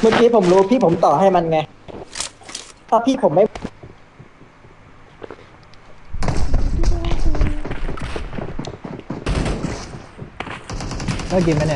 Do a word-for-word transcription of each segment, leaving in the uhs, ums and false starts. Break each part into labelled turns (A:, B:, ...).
A: เมื่อกี้ผมรู้พี่ผมต่อให้มันไงถ้าพี่ผมไม่
B: ก็กินไหมเนี่ย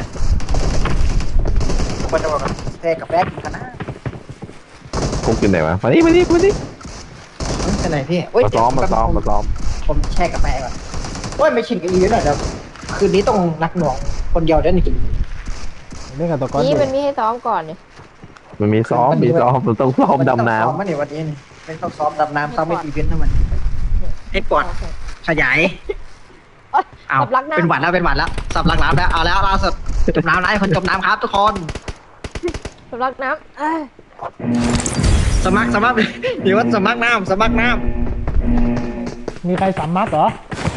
A: ควรจะบอกกับแพ้กับแป๊กกินกันนะ
C: พวกกินไหนวะมานี่มานี่มานี่
A: เป็นไรพี่
C: มาซ้อมมาซ้อมมาซ้อม
A: ผมแช่กับแป๊กก่อนโอ้ยไม่ชินกับอีหน่อยเดี๋ยวคืนนี้ต้องนักหน่วงคนเดียวได้หนึ่ง
B: เล่นกับตัวก้อน
D: นี่
B: อยู่
D: มันมีให้ซ้อมก่อนเนี่ย
C: มันมีซ้อมมีซ้อมมันต้องซ้อมดำน้
A: ซ้อมมาเนี่ยวันนี้ไม่ต้องซ้อมดำน้ำซ้อมไม่อีเวนต์ทั้งมันให้ปอดขยายเอา
D: สับลักน้ำ
A: เป็นหวัดแล้วเป็นหวัดแล้วสับลักน้ำแล้วเอาแล้วล่าสุดจมน้ำแล้วคนจมน้ำครับทุกคน
D: สับลักน้ำเอ้ย
A: สมัครสมัครหรือว่าสมัครน้ำสมัครน้
B: มีใครสามมัดเหรอ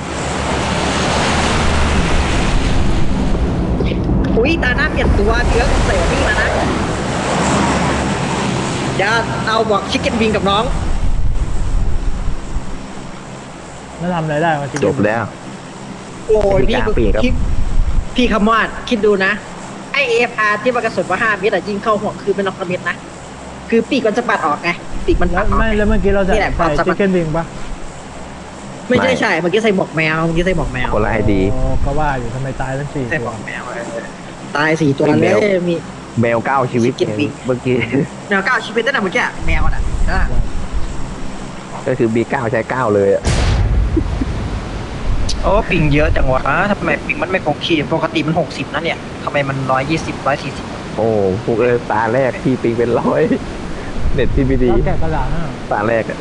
A: ำอุ้ยตาหน้าเปลี่ยนตัวเชื้อเสรีมานะอย่าเอาบอกชิคเก้นวิงกับน้อง
B: ไม่ทำอะไรได้มาจริง
C: ำจบแล้ว
A: โอ้ยพี่
C: กลางปีครับ
A: พี่พี่คำวาดคิดดูนะไอเอฟอาร์ที่มันกระสุนว่าห้าเมตรอะยิงเข้าหัวคือเป็นนอกกระเม็ดนะคือปีกมันจะปัดออกไงปีกมันปัดออก
B: ไม่แล้วเมื่อกี้เราใส่
A: นี่แหละความ
B: ใส่
A: สามารถ
B: ชิคเก้นวิงปะ
A: ไม่ใช่ใช่เมื่อกี้ใส่หมวกแมวเมื่อกี้ใส่หมวกแมว
C: คนละไอดี
B: โอ้ก็ว่าอยู่ทำไมตายทั้งสี่
A: ใส่หม
B: ตัว
A: วกแมวตายสี่ตัว
C: ไม่
A: เล
C: แมว
A: ยมี
C: แมวเก้าชีวิต
A: ชิคเก้นวิง
C: เมื่อกี้
A: แมวเก้าชีวิตนั่นน่ะเมื่อกี้แมวน่ะนะ
C: ก็คือบีเก้าใช้เก้าเลยอะ
A: โอ้ปิงเยอะจังวะทำไมปิงมันไม่คงที่ปกติมันหกสิบนะเนี่ยทำไมมันร้อยยี่สิบร้อยสี่สิบ
C: โอ้พวกเออตาแรกพี่ปิงเป็นร้อยเน็ตพี่ไม่ดี
B: แล้วแกะกระดาษนะ
C: ตาแรกอะ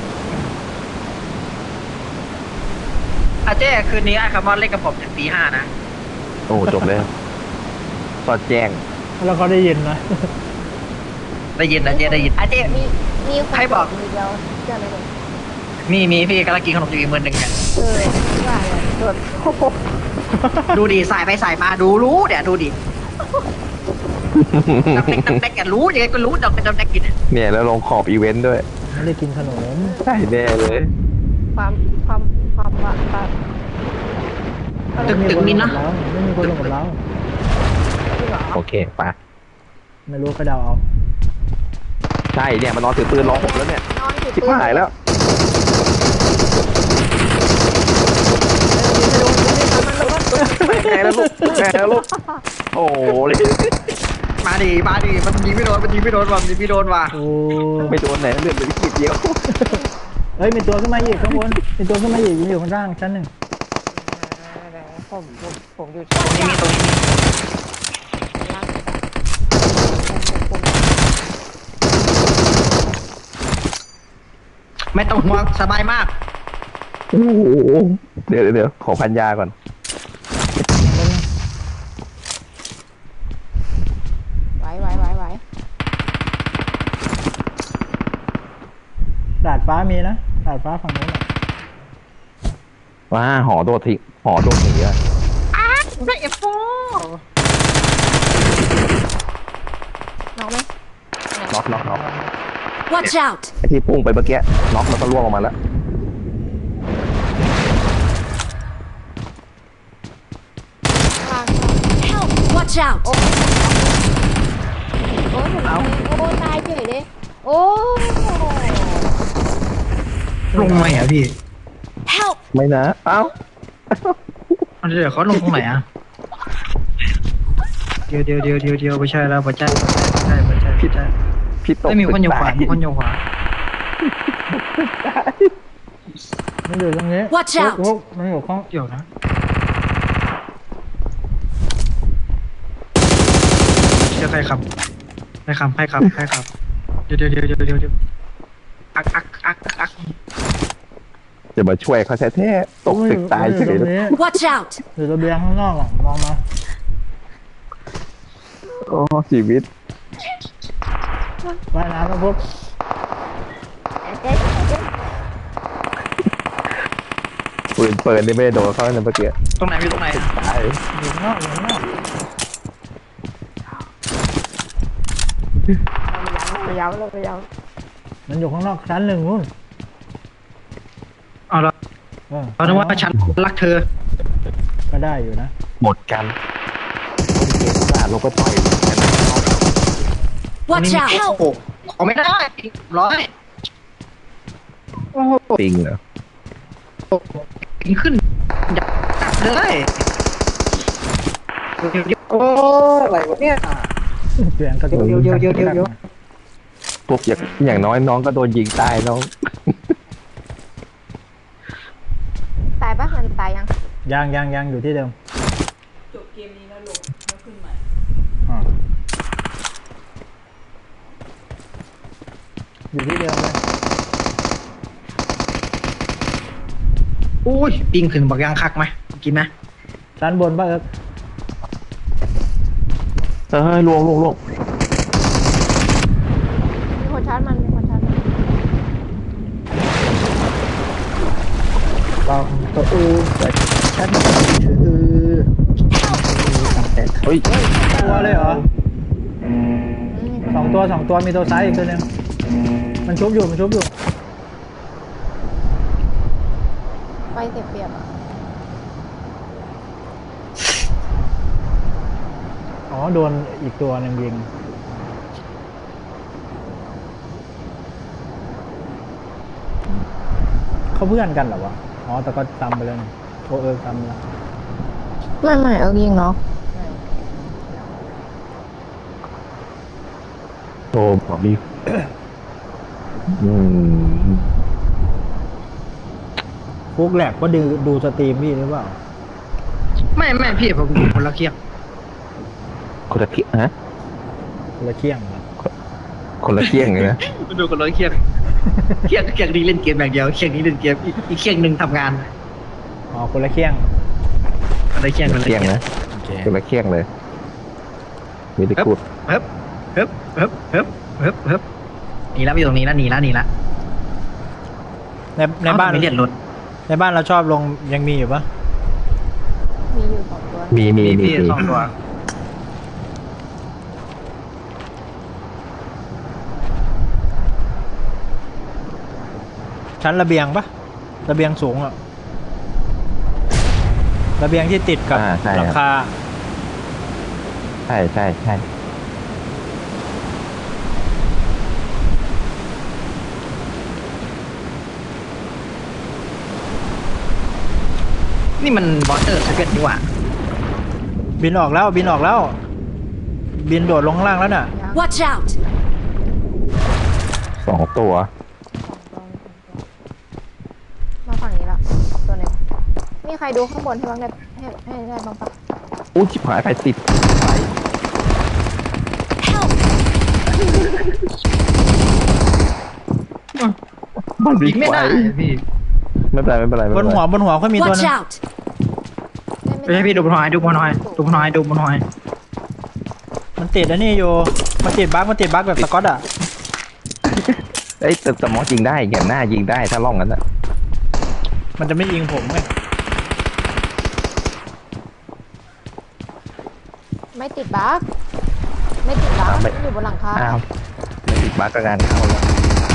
A: อาเจ้คืนนี้ไอ้คาร์บอนเล่นกับผมถึงตีห้านะ
C: โอ้จบแล้วสอดแจ้ง
B: แล้วเขาได้ยินนะ
A: ได้ยินนะเจ้ได้ยินอาเจ้
D: มีมีน
A: ใครบอก
D: มีเดียวเชื่อไหมเนี่ย
A: มีมีพี่กำลังกินขนมอยู่อีกมือหนึ่งเนี่ย
D: เออว่าเนี่ยตรวจโอ้โห
A: ดูดิสายไปสายมาดูรู้เดี๋ยวดูดิดักแดกดักแดกแกรู้ยังไงก็รู้ดักแดกดักแดกกินเนี่ย
C: เนี่ยแล้วลงขอบอีเวนต์ด้วย
B: ไม่ได้กินขนม
C: ใช่แน่เลย
D: ความความความว่าความ
A: ตึกตึกมินนะ
B: ไม่มีคนลงกับเรา
D: จริงเหรอ
C: โอเคไป
B: ไม่รู้ก็เดาเอา
C: ใช่เนี่ยมันนอนถือปืนรอผมแล้วเนี่ย
D: นอนถือ
C: ชิบ
D: ปืน
C: หายแล้ว แม่แล้วลูกแม่แล้วลูกโอ้โหเลย
A: มาดิมาดิมันยิงไม่โดนมันยิงไม่โดนว่ะมันยิงไม่โดนว่ะ
B: โอ้
C: ไม่โดนไหนเลือดเหลือขีดเดียว
B: เฮ้ยมีตัวขึ้นมาอีกข้างบนมีตัวขึ้นมาอีกอยู่ข้างล่างชั้นหนึ่ง
D: ผมผมผมอยู่
A: ตรงนี้มีตรงนี้มี
D: ล่างผม
A: ไม่ต้องห่วงสบายมาก
C: โอ้โหเดี๋ยวเดี๋ยวเดี๋ยวขอพันยาก่อน
D: ไหวไหวไหวไหว
B: ดาดฟ้ามีนะดาดฟ้าฝั่งนู้นน่ะ
C: ว้าหอโดดทิ้งหอโดดหนีอะ
A: ได้เอฟโฟ
D: น้องไหม
C: น็อกน็อกน็อก
E: Watch out!
C: ไอที่พุ่งไปเมื่อกี้น็อกแล้วก็ล่วงออกมาแล้ว
D: ข้าง
E: Help! Watch out!
D: โอ้โอ้ผมเอาโอ้ตายเฉยเลยโอ้
A: ลงไหมอ่ะพี่
E: Help!
C: ไม่นะเอ้า
A: เดี๋ยวเขาลงตรงไหนอ่ะเดี๋ยวเดี๋ยวเดี๋ยวเดี๋ยวเดี๋ยวไม่ใช่แล้วไม่ใช่ไม่ใช่ไม่ใช่พี่ใช่
C: พี่ตก
A: ไม่มีคนอยู่ขวามีคนอยู่ขวา
B: มันอยู่ตรงนี้
E: Watch out
B: โอ้โหมันอยู่ข้าง
A: เดี๋ยวนะเดี๋ยวใครขับใครขับใครขับใครขับเดี๋ยวเดี๋ยวเดี๋ยวเดี๋ยวเดี๋ยวเดี๋ยวอักอักอักอัก
C: จะมาช่วยเขาแท้ๆตกตึกตาย
B: มันอ
C: เฉ
B: ยู่
C: ย
B: ตรงนี้
E: Watch out!
B: อยู่ระเบียงข้างนอกอ่ะมองมา
C: โอ้ชีวิต
B: ว่ายน้ำมาปุ๊บ
D: เจ๊เจ๊
C: ปืนเปิดนี่ไม่ได้โดนเขาในเมื่อกี้
A: ตรงไหนอยู่ตรงไหน
C: ตาย
B: อยู่ข้างนอกอยู่ข้างนอก
D: เรายาวเรายาว
B: มันอยู่ข้างนอกชั้นหนึ่งนู่น
A: เอาละ
B: เออ
A: เราคิดว่าฉันรักเธอ
B: ก็ได้อยู่นะ
C: หมดกันโอเคสาดเราก็ต่อยกัน
E: Watch
A: โอ้
E: out!
A: โหเอาไม่ได้ร้อยโอ้โห
C: ปิงเหรอ
A: กินขึ้นดับเลยเดี๋ยวเดี๋ยวโอ้อะไรวะเนี่ย
B: เสียงกระโดด
A: เดี๋ยวเดี๋ยวเดี๋ยวเดี๋ยวเดี๋ยว
C: พวกอย่างอย่างน้อยน้องก็โดนยิงตายน้อง
D: ตายปะมันตายยัง
B: ยังยังยังอยู่ที่เดิม
F: จบเกมนี้แล้วลงแล้วขึ้นใหม่
B: อ่าอยู่ที่เดิมเลย
A: อุ้ยปิงขึ้นบอกยังคักไหมกินไหม
B: ด้านบนป่ะเอิร์ก
C: เฮ้ยลวงลวงลวง
D: มีคนชาร์จมันมีคนชาร์จมัน
A: ลองตัวอูแต่ฉันถือตั้งแต่
C: เฮ้ย
B: ตัวเลยเหรอ
D: อืม
B: สองตัวสองตัวมีตัวซ้ายอีกตัวหนึงมันชุบอยู่มันชุบอยู่
D: ไฟเสียเปรียบอ่ะ
B: อ๋อโดนอีกตัวหนึงยิงเขาเพื่อนกันเหรอวะอ๋อแต่ก็ซ้ำไปแล้วนี่โอเอิร์กซ้ำแล้ว
D: ไม่ไม่เอายิงเนาะ
C: โอ้บอมีอืม
B: ฟุกแหลกก็ดูดูสตรีมพี่หรือเปล่า
A: ไม่ไม่พี่ผมอยู่คนละเคียง
C: คนละเที่ยงฮะ
B: คนละเคียงเหรอ
C: คนละเที่ยงเลยนะ
A: ดูคนละเคียงเคียงเคียงนี้เล่นเกมอย่างเดียวเคียงนี้เล่นเกมอีกอีกเคียงหนึ่งทำงาน
B: อ๋อคนละเคียง
A: คนละเคียงคนละ
C: เที่ยง
A: เคียง
C: นะ
B: โอเค
C: คนละเที่ยงเลยมีแต่กูด
A: เฮ้บเฮ้บเฮ้บเฮ้บเฮ้บเฮ้บหนีแล้วอยู่ตรงนี้แล้วหนีแล้วหนีแล้ว
B: ในในบ้าน
A: ไม่เลียนรถ
B: ในบ้านเราชอบลงยังมีอยู่ปะ
D: มีอยู่สองตัว
C: มีมี
A: มี
C: มี
A: พี่
C: มี
A: สองตัว
B: ชั้นระเบียงปะระเบียงสูงอะระเบียงที่ติดกับ
C: อ่าใช่
B: หลัง
C: ครับ
B: คา
C: ใช่ใช่ใช่
A: นี่มันวอเตอร์สเก็ตดีกว่า
B: บินออกแล้วบินออกแล้ว บินโดดลงข้างล่างแล้วน่ะ
D: ยัง
E: Watch out!
C: สองตัว
D: มาฝั่งนี้ละตัวหนึงมีใครดูข้างบนให้บ้างได้ให้ให้ได้บ้างปะ
C: อู้ชิบหายไฟติดไฟ
E: Help!
C: มัน
A: ยิงไม่ได้พี่
C: ไม่เป็นไรไม่เป็นไรไม่
B: บ
C: เป็น นไร
B: หัวบนหัวเขามีตัว
E: Watch
B: นึง
E: out!
A: ไม่ใช่พี่ดูบนหอยดูบนหอยดูบนหอยดูบนหอย
B: มันติดอันนี้อยู่มันติดบั๊กมันติดบั๊กแบบสกอตอะ
C: เอ้ยแต่แต่มอสยิงได้แกนหน้ายิงได้ถ้าล่องนั้นอ่ะ
B: มันจะไม่ยิงผมไง
D: ไม่ติดบั๊กไม่ติดบั๊กมันอยู่บนหลังคา
C: อ้าวไม่ติดบั๊กก็งานเข้าแล้ว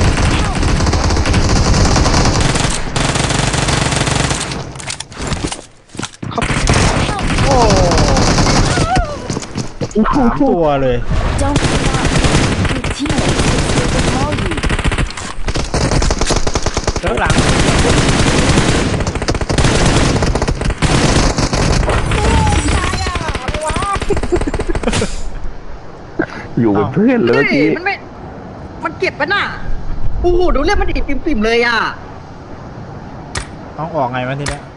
B: สามตัวเลย
E: Don't give up. Your teammates will recall you.
B: เลิกหลัง
C: อยู่เป็นเพื่อนเลย
A: เฮ้
C: เมื่อกี้
A: ยมันไม่มันเก็บปะน่ะโอ้โหดูเลือดมันดิบปิ่มๆเลยอ่ะ
B: ต้องออกไงวะทีเนี้ย